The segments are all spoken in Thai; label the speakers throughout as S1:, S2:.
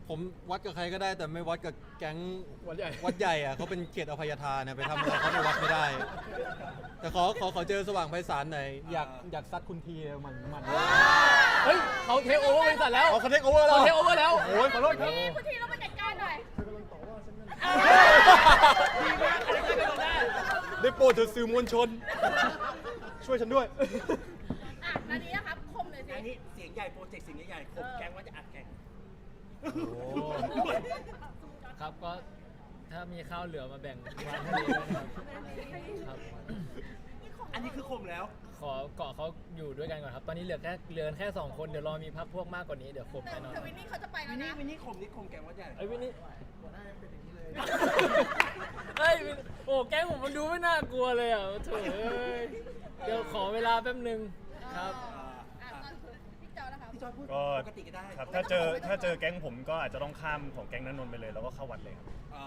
S1: ผมวัดกับใครก็ได้แต่ไม่วัดกับแก๊ง
S2: วัดใหญ่
S1: วัดใหญ่อะเขาเป็นเขตอภัยทานนะไปทำอะไรเขาในวัดไม่ได้ แต่ขอเจอสว่างไพศาลหน่อยอยากซัดคุณทีมัน
S2: เฮ้ยเขาเทคโอเวอร์บริษัทแล้ว
S1: เอาเขาเทคโอเวอร์แล้ว
S2: เขาเทคโอเวอร์แล้ว
S1: โอ้ยขอโทษครับ
S3: คุณทีเราไปจัดการหน่อย
S2: ดีมากอะไรก็ไม่รู้ได้
S1: ได้โปรดเถอะสื่อมวลชน ช่วยฉันด้วย
S3: อ่ะนานี้นะครับคมเลยสิ
S4: อันนี้เสียงใหญ่โปรเจกต์เสียงใหญ่ๆข่มแก๊งว่าจะอัดแก๊ง
S5: ครับก็ถ้ามีข้าวเหลือมาแบ่งวางให้ดีด้วยนะครับครับ
S4: อันนี้คือข่มแล้ว
S5: ขอเกาะเขาอยู่ด้วยกันก่อนครับ ตอนนี้เหลือแค่2 คนเดี๋ยวรอมีพักพวกมากกว่านี้เดี๋ยวครบแน่นอน
S3: แต่วินนี่เขาจะไปแล้
S4: วิ
S3: วน
S4: นี่
S3: นะ
S4: วินนี่ข่มนี่ข่มแก๊งว่าใหญ่
S5: ไอ้วินนี่เฮ้ยโอ้แก๊งผมมันดูไม่น่ากลัวเลยอ่ะโถ่เอ้ยเดี๋ยวขอเวลาแป๊บนึงครับ
S3: อ่ะตอนพี่จอนะคะ
S4: พี่จอยพูด
S6: ก็
S4: ปกติก็ได้
S6: ครับถ้าเจอแก๊งผมก็อาจจะต้องข้ามของแก๊งนั้นนนท์ไปเลยแล้วก็เข้าวัดเลยครับ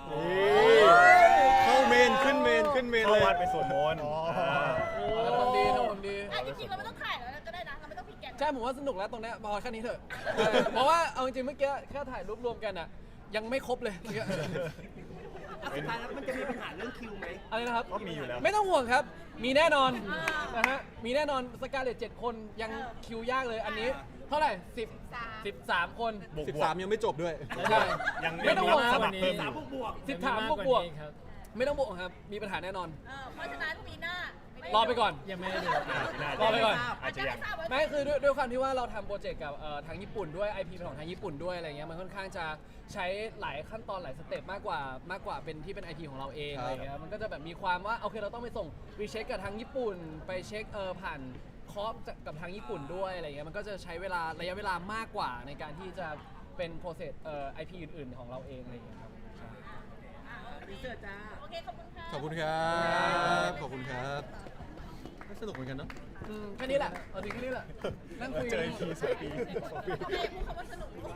S1: เข้าเมนขึ้นเมนเลย
S6: เข้าวัดไปสวดมนต์
S2: ทำความดีทำความดี
S3: อ่ะจริงๆเราไม่ต้องถ่ายแล้วก็ได้นะเราไม่ต้องพิกแกน
S2: ใช่ผมว่าสนุกแล้วตรงเนี้ยพอแค่นี้เถอะเพราะว่าเอาจริงๆเมื่อกี้แค่ถ่ายรูปรวมกันอ่ะยังไม่ครบเลยเมื่อกี้
S4: อ่ะสุดท้ายแล้วมันจะมีปัญหาเรื่องคิวไหม
S2: อะไรนะครับ
S6: ก็มีอยู่แล้ว
S2: ไม่ต้องห่วงครับ มีแน่นอนนะฮะ มีแน่นอนสกาเลต7 คนยังคิวยากเลยอันนี้ เท่าไหร่13 คน
S6: บวก
S1: 13 ยังไม่จบด้วย
S2: ใช่
S6: ยัง
S2: ไม่ต้องห่วง
S6: รับ
S2: ค
S6: ส
S2: รับ
S6: มัครเพิ่มอ
S4: สาม
S6: ยู่
S4: บวก
S2: 13 บวก
S5: ครับ
S2: ไม่ต้องบวกครับ มีปัญหาแน่นอน
S3: เพราะฉะนั้นปีหน้าร
S2: อไปก่อน
S5: ยังไม่ได้ดู
S2: รอไปก่อน
S6: อาจจะยัง
S2: ไม่คือด้วยความที่ว่าเราทำโปรเจกต์กับทางญี่ปุ่นด้วย IP เป็นของทางญี่ปุ่นด้วยอะไรเงี้ยมันค่อนข้างจะใช้หลายขั้นตอนหลายสเต็ปมากกว่าเป็นที่เป็น IP ของเราเอง
S1: ครับ
S2: อะไรเงี้ยมันก็จะแบบมีความว่าโอเคเราต้องไปส่งรีเช็คกับทางญี่ปุ่น ไปเช็คผ่านคอปกับทางญี่ปุ่นด้วยอะไรเงี้ยมันก็จะใช้ระยะเวลามากกว่าในการที่จะเป็นโปรเซสIP อื่นๆของเราเองอะไรเงี้ยครับ
S4: รีเสิร์ชจ้า
S3: โอเคขอบคุณค่ะ
S1: ขอบคุณครับขอบคุณครับสนุกเหมือนกันเนาะ
S2: แค่นี้แหละเอาจริงแค่นี้แหละนั่งคุย
S6: เจ
S2: กั
S6: อน อีกที2 ปี
S3: โอเคพูดคำว่าสนุก